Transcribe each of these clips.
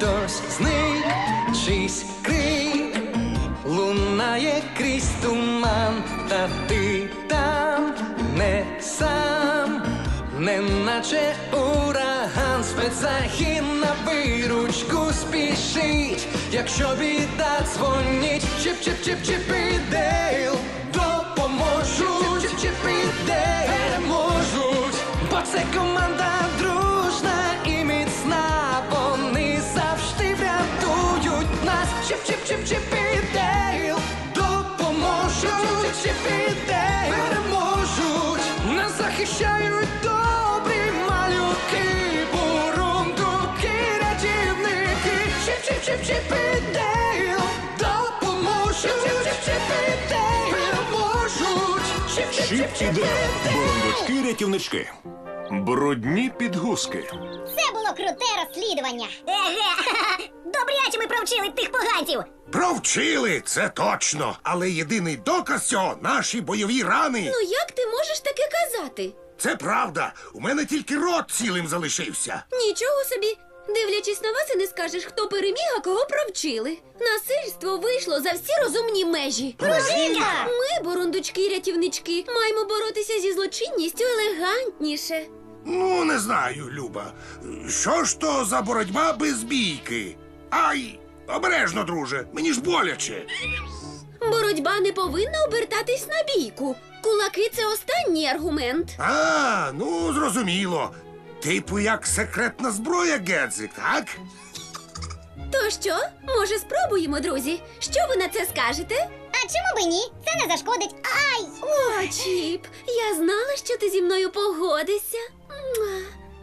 хтось зник, чийсь крик лунає крізь туман, та ти там не сам, неначе ураган, спецзахід на виручку спішить. Якщо біда дзвонить, чіп-чіп-чіп-чіп і Дейл допоможуть, чіп-чіп-чіп і Дейл переможуть, бо це команда дружна і міцна, вони завжди врятують нас. Чіп-чіп-чіп-чіп і Дейл допоможуть, чіп-чіп-чіп і Дейл переможуть, нас захищають добрі малюки, бурундуки, рятівники. Чіп-чіп-чіп-чіп і Дейл допоможуть, чіп-чіп-чіп і Дейл переможуть. Чіп і Дейл. Бурундучки-рятівнички. Брудні підгузки. Це було круте розслідування. Еге, добряче ми провчили тих поганців. Провчили, це точно. Але єдиний доказ цього – наші бойові рани. Ну як ти можеш таке казати? Це правда. У мене тільки рот цілим залишився. Нічого собі. Дивлячись на вас, і не скажеш, хто переміг, а кого провчили. Насильство вийшло за всі розумні межі. Пружинка! Ми, бурундучки-рятівнички, маємо боротися зі злочинністю елегантніше. Ну, не знаю, Люба. Що ж то за боротьба без бійки? Ай, обережно, друже, мені ж боляче. Боротьба не повинна обертатись на бійку. Кулаки – це останній аргумент. А, ну, зрозуміло. Типу як секретна зброя, Гедзик, так? То що? Може, спробуємо, друзі? Що ви на це скажете? А чому б ні? Це не зашкодить. Ай! О, Чіп, я знала, що ти зі мною погодишся. Муа.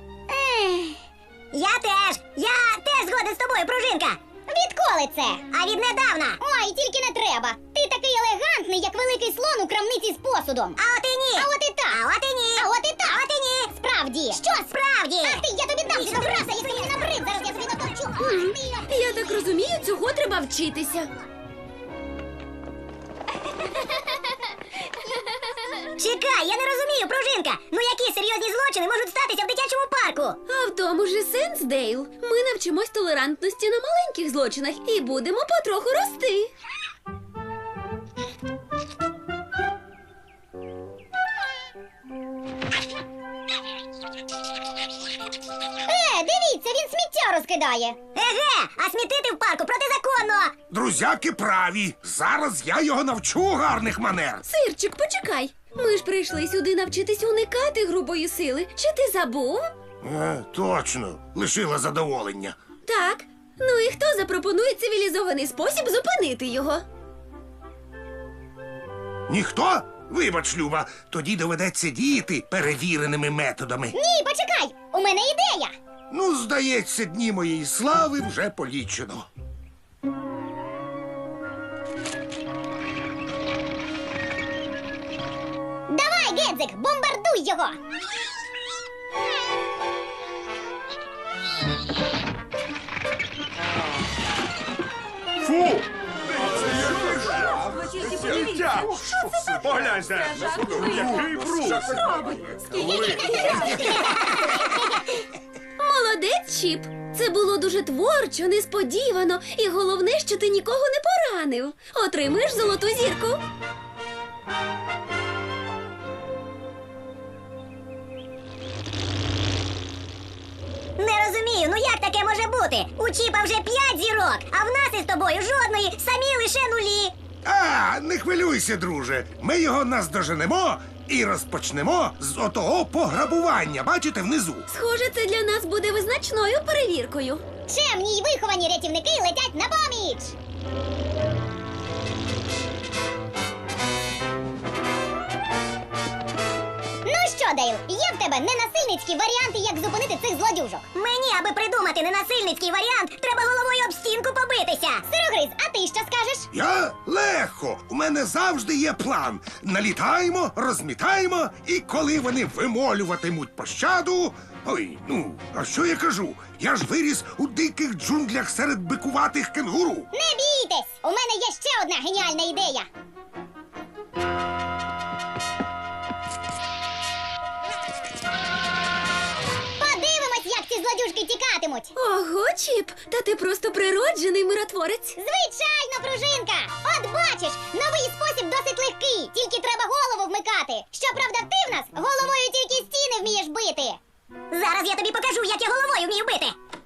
Я теж згоден з тобою, пружинка. Відколи це? А віднедавна. Ой, тільки не треба. Ти такий елегантний, як великий слон у крамниці з посудом. А от і ні. А от і так. А от і ні. А от і так. А от і ні. Справді. Що справді? Ах ти, я тобі дам щось, якщо мені набрид, зараз я тобі натовчу. Я так розумію, цього треба вчитися. Чекай, я не розумію, пружинка. Ну які серйозні злочини можуть статися в дитячому парку? А в тому ж і сенс, Дейл. Ми навчимось толерантності на маленьких злочинах і будемо потроху рости. Дивіться, він сміття розкидає. Еге, а смітити в парку протизаконно. Друзяки праві. Зараз я його навчу гарних манер. Сирчик, почекай. Ми ж прийшли сюди навчитись уникати грубої сили. Чи ти забув? Точно, лишила задоволення. Так. Ну і хто запропонує цивілізований спосіб зупинити його? Ніхто? Вибач, Люба, тоді доведеться діяти перевіреними методами. Ні, почекай, у мене ідея. Ну, здається, дні моєї слави вже полічено. Давай, Гедзик, бомбардуй його. Фу! Погляньте! Який бруд! Молодець, Чіп. Це було дуже творчо, несподівано. І головне, що ти нікого не поранив. Отримаєш золоту зірку. Не розумію, ну як таке може бути? У Чіпа вже 5 зірок, а в нас із тобою жодної, самі лише нулі. Не хвилюйся, друже. Ми його наздоженемо і розпочнемо з отого пограбування. Бачите, внизу. Схоже, це для нас буде визначною перевіркою. Чемні й виховані рятівники летять на поміч. Ну що, Дейл, є в тебе ненасильницькі варіанти, як зупинити цих злодюжок? Мені, аби придумати ненасильницький варіант, треба головою об стінку побитися. Сирогриз, а ти що скажеш? Я легко. У мене завжди є план. Налітаємо, розмітаємо, і коли вони вимолюватимуть пощаду... Ой, ну, а що я кажу? Я ж виріс у диких джунглях серед бикуватих кенгуру. Не бійтесь! У мене є ще одна геніальна ідея. Подивимось, як ці злодюжки тікатимуть. впливатимуть. Ого, Чіп, та ти просто природжений миротворець. Звичайно, пружинка! От бачиш, новий спосіб досить легкий, тільки треба голову вмикати. Щоправда, ти в нас головою тільки стіни вмієш бити. Зараз я тобі покажу, як я головою вмію бити.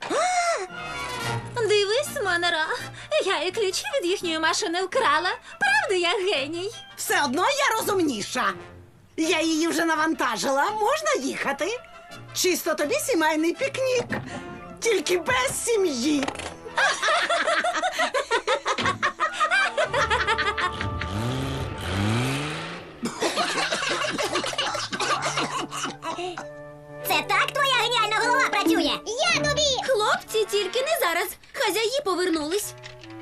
Дивись, Монора, я і ключі від їхньої машини вкрала. Правда, я геній? Все одно я розумніша. Я її вже навантажила, можна їхати. Чисто тобі сімейний пікнік. Тільки без сім'ї. Це так твоя геніальна голова працює? Я тобі! Хлопці, тільки не зараз. Хазяї повернулись.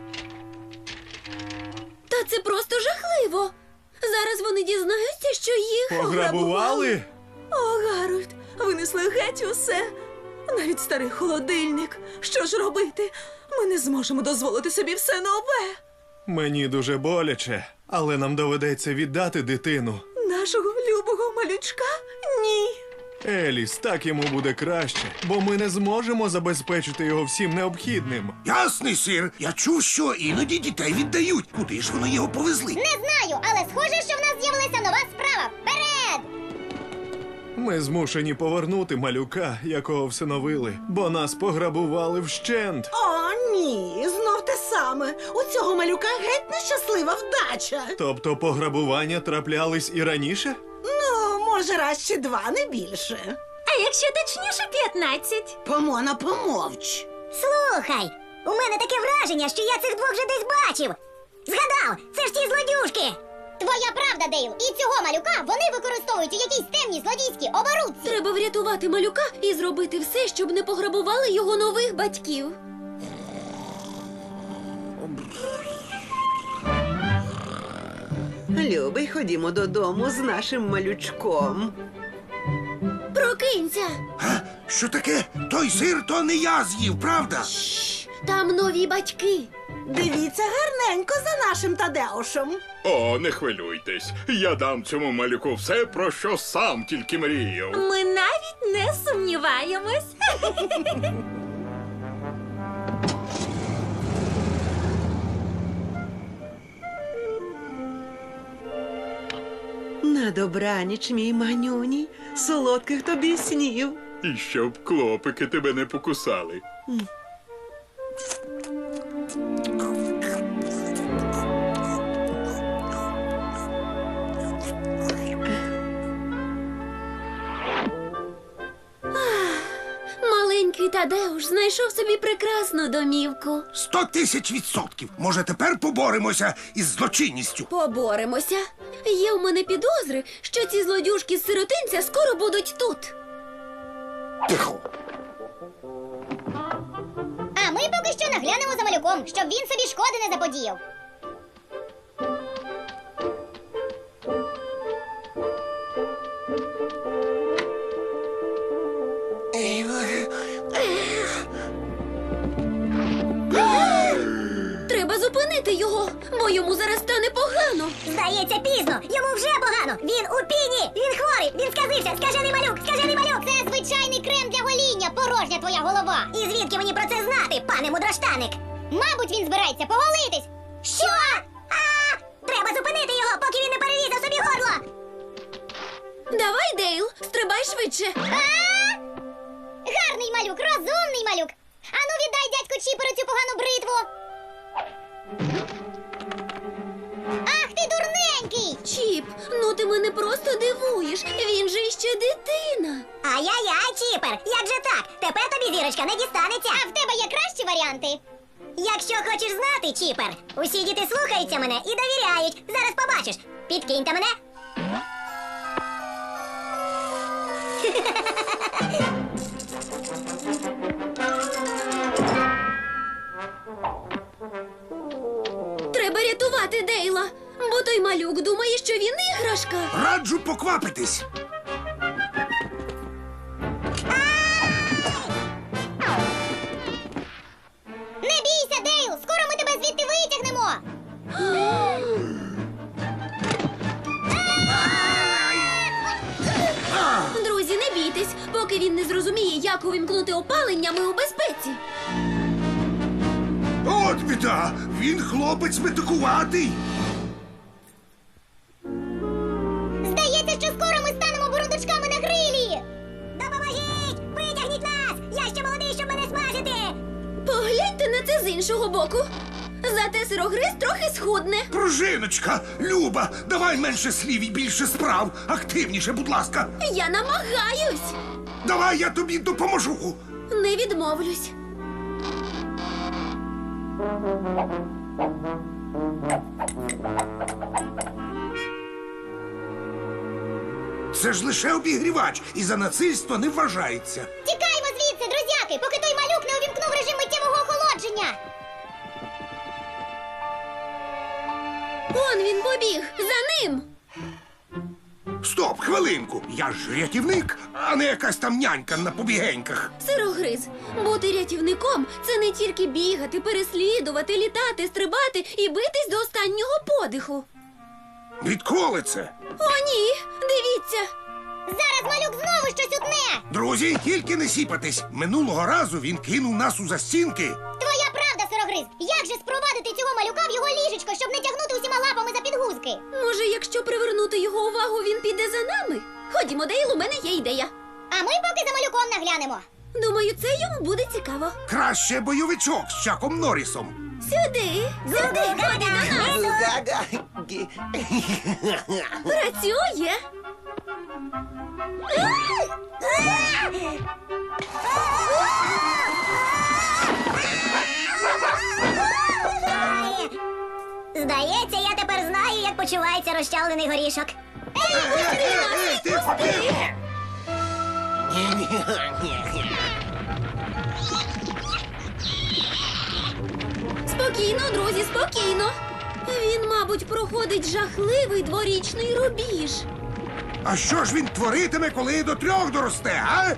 Та це просто жахливо. Зараз вони дізнаються, що їх Пограбували? О, Гарольд, винесли геть усе. Навіть старий холодильник. Що ж робити? Ми не зможемо дозволити собі все нове. Мені дуже боляче, але нам доведеться віддати дитину. Нашого любого малючка? Ні. Еліс, так йому буде краще, бо ми не зможемо забезпечити його всім необхідним. Ясний сир, я чув, що іноді дітей віддають. Куди ж вони його повезли? Не знаю, але схоже, що в нас з'явилася нова справа. Вперед! Ми змушені повернути малюка, якого всиновили, бо нас пограбували вщент. О, ні, знов те саме. У цього малюка геть нещаслива вдача. Тобто пограбування траплялись і раніше? Ну, може, раз чи два, не більше. А якщо точніше 15? Помона, помовч. Слухай, у мене таке враження, що я цих двох вже десь бачив. Згадав, це ж ті злодюжки. Твоя правда, Дейл. І цього малюка вони використовують у якійсь темній злодійській оборудці. треба врятувати малюка і зробити все, щоб не пограбували його нових батьків. Любий, ходімо додому з нашим малючком. Прокинься! Що таке? Той сир то не я з'їв, правда? Там нові батьки. Дивіться гарненько за нашим Тадеушем. О, не хвилюйтесь. Я дам цьому малюку все, про що сам тільки мріяв. Ми навіть не сумніваємось. На добраніч, мій манюні, солодких тобі снів. І щоб клопики тебе не покусали. Маленький Тадеуш знайшов собі прекрасну домівку. 100 000%. Може, тепер поборемося із злочинністю? Поборемося. Є у мене підозри, що ці злодюжки з сиротинця скоро будуть тут. Тихо. А ми поки що наглянемо за малюком, щоб він собі шкоди не заподіяв. Треба зупинити його, бо йому зараз стане погано. Здається, пізно. Йому вже погано. Він у піні. Він хворий. Він сказився. Скажений малюк. Скажений малюк. Це звичайний крем для гоління. Порожня твоя голова. І звідки мені про це знати, пане мудроштаник? Мабуть, він збирається поголитись. Що? Треба зупинити його, поки він не перерізав собі горло. Давай, Дейл, стрибай швидше. Гарний малюк, розумний малюк. Ану, віддай дядьку Чіперу цю погану бритву. Ах ти дурненький! Чіп, ну ти мене просто дивуєш. Він же іще дитина. Ай-яй-яй, Чіпер, як же так? Тепер тобі зірочка не дістанеться. А в тебе є кращі варіанти. Якщо хочеш знати, Чіпер, усі діти слухаються мене і довіряють. Зараз побачиш. Підкиньте мене. Треба рятувати Дейла, бо той малюк думає, що він іграшка. Раджу поквапитись. Не бійся, Дейл! Скоро ми тебе звідти витягнемо! Друзі, не бійтесь, Поки він не зрозуміє, як увімкнути опалення, ми у безпеці. От біда! Він хлопець метикуватий. Здається, що скоро ми станемо бурундучками на грилі. Допоможіть! Витягніть нас! Я ще молодий, щоб мене смажити! Погляньте на це з іншого боку. Зате сирогриз трохи схудне. Пружиночка, Люба, давай менше слів і більше справ. Активніше, будь ласка. Я намагаюсь. Давай я тобі допоможу. Не відмовлюсь. Це ж лише обігрівач і за насильство не вважається. Тікаємо звідси, друзяки, поки той малюк не увімкнув режим миттєвого охолодження. Он він побіг. За ним. Стоп, хвилинку. Я ж рятівник, а не якась там нянька на побігеньках. Сирогриз. Бути рятівником – це не тільки бігати, переслідувати, літати, стрибати і битись до останнього подиху. Відколи це? О, ні! Дивіться! Зараз малюк знову щось утне. Друзі, тільки не сіпатись. Минулого разу він кинув нас у застінки. Твоя правда, сирогриз. Як же спровадити цього малюка в його ліжечко, щоб не тягнути усіма лапами за підгузки? Може, якщо привернути його увагу, він піде за нами? Ходімо, Дейл, у мене є ідея. А ми поки за малюком наглянемо. Думаю, це йому буде цікаво. Краще бойовичок з Чаком Норрісом. Сюди, ходи до нас. Працює. Здається, я тепер знаю, як почувається розчавлений горішок. Ти побіг! Спокійно, друзі, спокійно. Він, мабуть, проходить жахливий дворічний рубіж. А що ж він творитиме, коли до 3 доросте, а?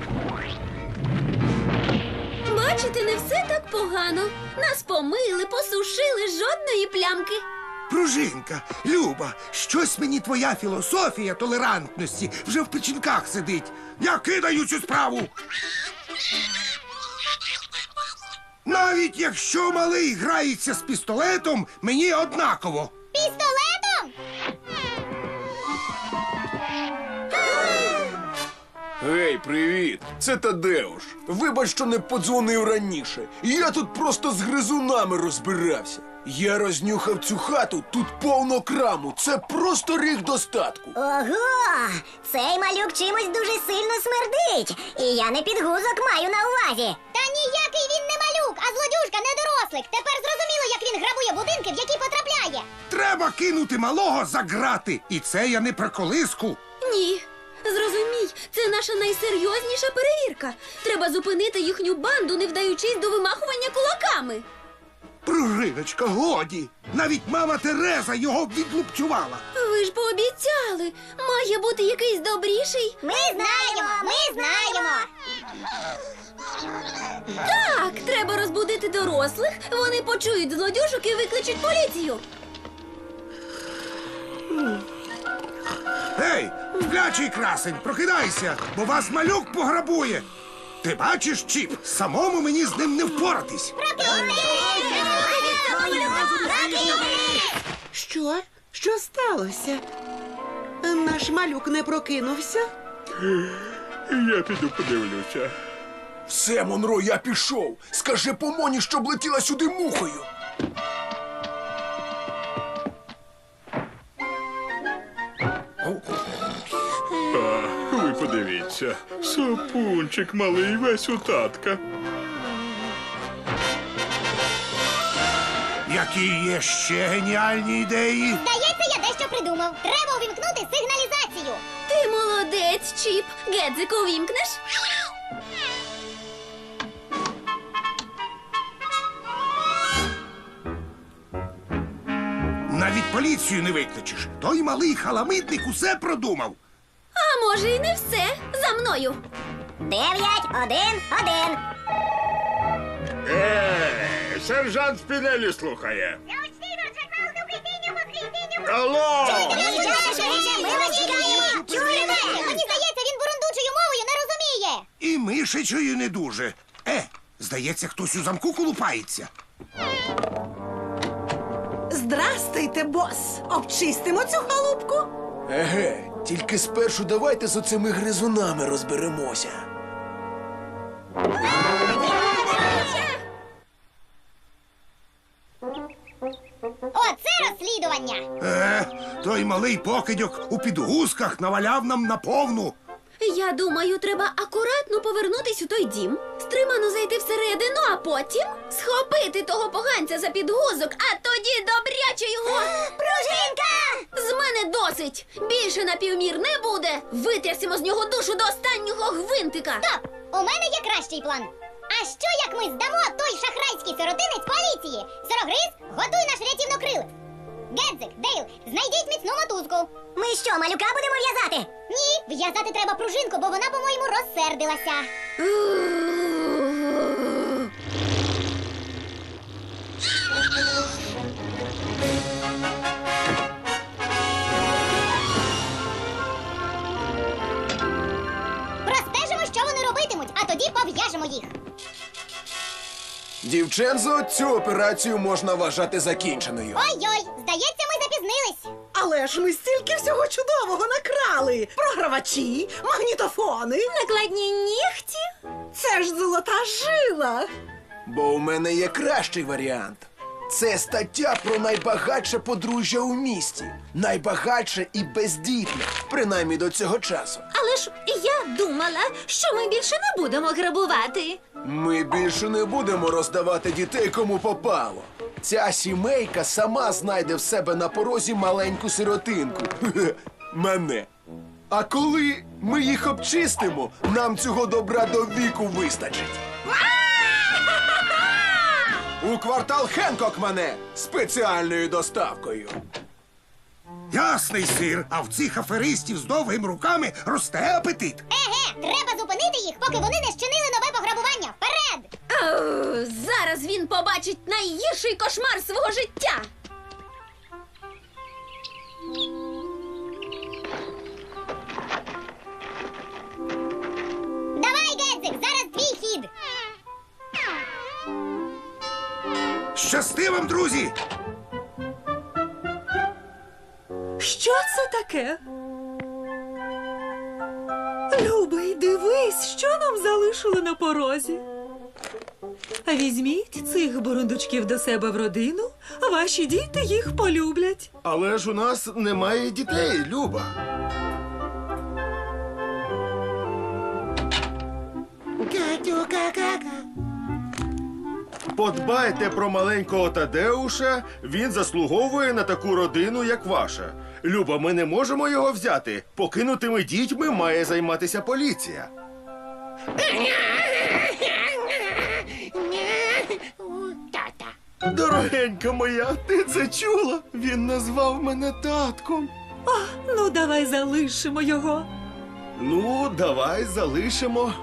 Бачите, не все так погано. Нас помили, посушили, жодної плямки. Пружинка, Люба, щось мені твоя філософія толерантності вже в печінках сидить. Я кидаю цю справу. Навіть якщо малий грається з пістолетом, мені однаково. Пістолетом? Гей, привіт! Це Тадеуш. Вибач, що не подзвонив раніше. Я тут просто з гризунами розбирався. Я рознюхав цю хату, тут повно краму. Це просто ріг достатку. Ого! Цей малюк чимось дуже сильно смердить. І я не підгузок маю на увазі. Та ніякий він не малюк, а злодюжка недорослик. Тепер зрозуміло, як він грабує будинки, в які потрапляє. Треба кинути малого за грати. І це я не про колиску. Ні. Зрозумій, це наша найсерйозніша перевірка. Треба зупинити їхню банду, не вдаючись до вимахування кулаками. Пружиночка, годі. Навіть мама Тереза його відлупцювала. Ви ж пообіцяли. Має бути якийсь добріший. Ми знаємо. Так, треба розбудити дорослих. Вони почують злодюжок і викличуть поліцію. Гей, сплячий красень, прокидайся, бо вас малюк пограбує. Ти бачиш, Чіп, самому мені з ним не впоратись. Що? Що сталося? Наш малюк не прокинувся? Я піду подивлюся. Все, Монро, я пішов. Скажи помоні, щоб летіла сюди мухою. Ви подивіться, сопунчик малий весь у татка. Які є ще геніальні ідеї? Здається, я дещо придумав. Треба увімкнути сигналізацію. Ти молодець, Чіп. Гедзику увімкнеш? Навіть поліцію не викличеш. Той малий халамидник усе продумав. А може і не все. За мною. 9-1-1. Сержант Спінелі слухає. Алло! Ми вас чекаємо! Чуєте? Мені здається, він бурундучою мовою не розуміє. мишечою не дуже. Здається, хтось у замку колупається. Здрастуйте, бос! Обчистимо цю халупку? Еге, тільки спершу давайте з оцими гризунами розберемося. Оце розслідування! Той малий покидьок у підгузках наваляв нам на повну. Я думаю, треба акуратно повернутись у той дім, стримано зайти всередину, а потім схопити того поганця за підгузок, а тоді добряче його. Пружинка! З мене досить! Більше напівмір не буде! Витрясемо з нього душу до останнього гвинтика! Стоп! У мене є кращий план. А що, як ми здамо той шахрайський сиротинець поліції? Сирогриз, готуй наш рятівнокрилець. Гедзик, Дейл, знайдіть міцну мотузку. Ми що, малюка будемо в'язати? Ні, в'язати треба пружинку, бо вона, по-моєму, розсердилася. Простежимо, що вони робитимуть, а тоді пов'яжемо їх. Дівчензо, цю операцію можна вважати закінченою. Ой-ой, здається, ми запізнились. Але ж ми стільки всього чудового накрали. Програвачі, магнітофони. Накладні нігті? Це ж золота жила. Бо у мене є кращий варіант. Це стаття про найбагатше подружжя у місті. Найбагатше і бездітне, принаймні до цього часу. Але ж я думала, що ми більше не будемо грабувати. Ми більше не будемо роздавати дітей кому попало. Ця сімейка сама знайде в себе на порозі маленьку сиротинку. Мене. А коли ми їх обчистимо, нам цього добра до віку вистачить. У квартал Хенкок мене спеціальною доставкою. Ясний сир, а в цих аферистів з довгими руками росте апетит. Еге, треба зупинити їх, поки вони не щинили нове пограбування. Вперед! Зараз він побачить найгірший кошмар свого життя. Давай, Гедзик, зараз твій хід. Щасти вам, друзі! Що це таке? Любий, дивись, що нам залишили на порозі. Візьміть цих бурундучків до себе в родину, ваші діти їх полюблять. Але ж у нас немає дітей, Люба. Подбайте про маленького Тадеуша, він заслуговує на таку родину, як ваша. Люба, ми не можемо його взяти. Покинутими дітьми має займатися поліція. Дорогенька моя, ти це чула? Він назвав мене татком. Ну, давай залишимо його. Ну, давай залишимо.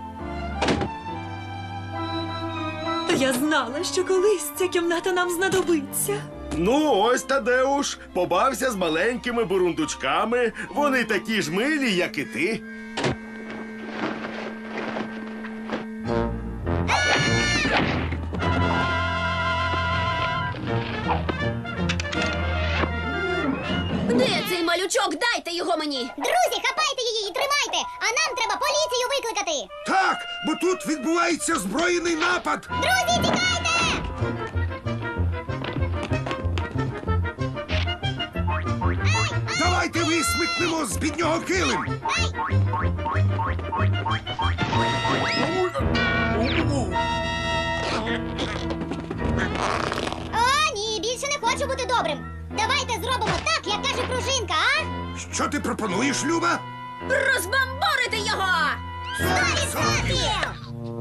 Та я знала, що колись ця кімната нам знадобиться. Ну, ось Тадеуш, побався з маленькими бурундучками. Вони такі ж милі, як і ти. Де цей малючок? Дайте його мені! Друзі, хапайте її і тримайте, а нам треба поліцію викликати. Так, бо тут відбувається збройний напад. Друзі, тікайте! Давайте висмикнемо з під нього килим. О, ні, більше не хочу бути добрим. Давайте зробимо так, як каже пружинка, а? Що ти пропонуєш, Люба? Розбамборити його! 100%!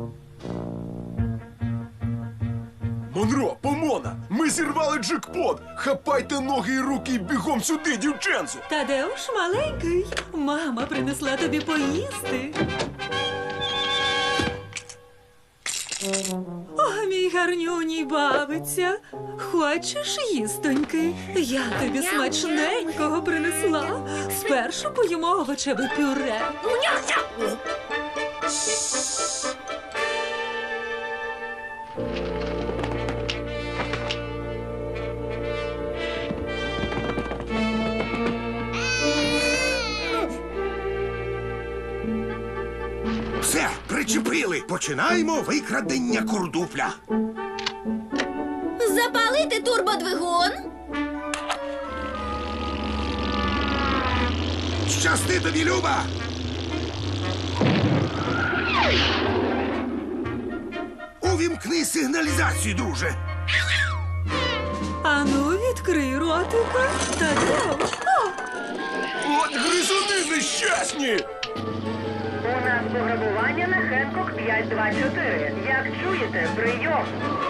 Монро, Помона, ми зірвали джекпот! Хапайте ноги і руки і бігом сюди, дівченцо! Тадеуш маленький, мама принесла тобі поїсти. О, мій гарнюній бабиця, хочеш їстоньки? Я тобі смачненького принесла. Спершу поїмо овочеве пюре. Все, причепили. Починаємо викрадення курдупля. Запалити турбодвигун? Щасти тобі, Люба! Увімкни сигналізацію, друже. Ану, відкрий ротика. Та де? От гризуни нещасні! У нас пограбування на Хенкок 524. Як чуєте, прийом.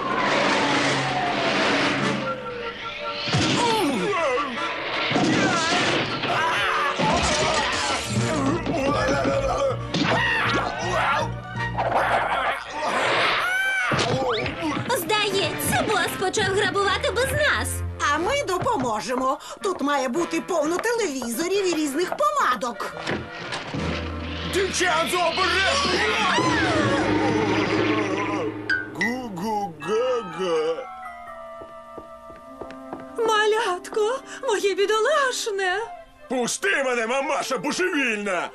Здається, бос почав грабувати без нас. А ми допоможемо. Тут має бути повно телевізорів і різних помадок. Дівчат, обережно! Гу-гу-га-га. Малятко, моє бідолашне. Пусти мене, мамаша божевільна!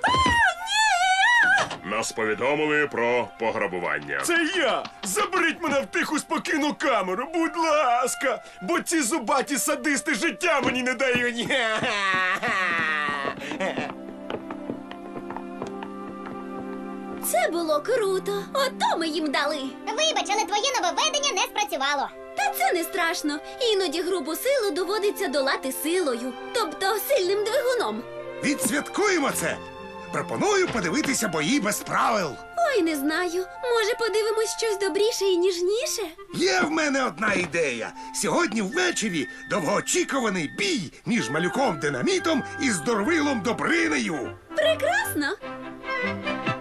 Нас повідомили про пограбування. Це я! Заберіть мене в тиху спокійну камеру, будь ласка! Бо ці зубаті садисти життя мені не дають! Це було круто. Ото ми їм дали. Вибач, але твоє нововведення не спрацювало. Та це не страшно. Іноді грубу силу доводиться долати силою, тобто сильним двигуном. Відсвяткуємо це. Пропоную подивитися бої без правил. Ой, не знаю. Може, подивимось щось добріше і ніжніше? Є в мене одна ідея. Сьогодні ввечері довгоочікуваний бій між малюком Динамітом і здоровилом Добринею. Прекрасно.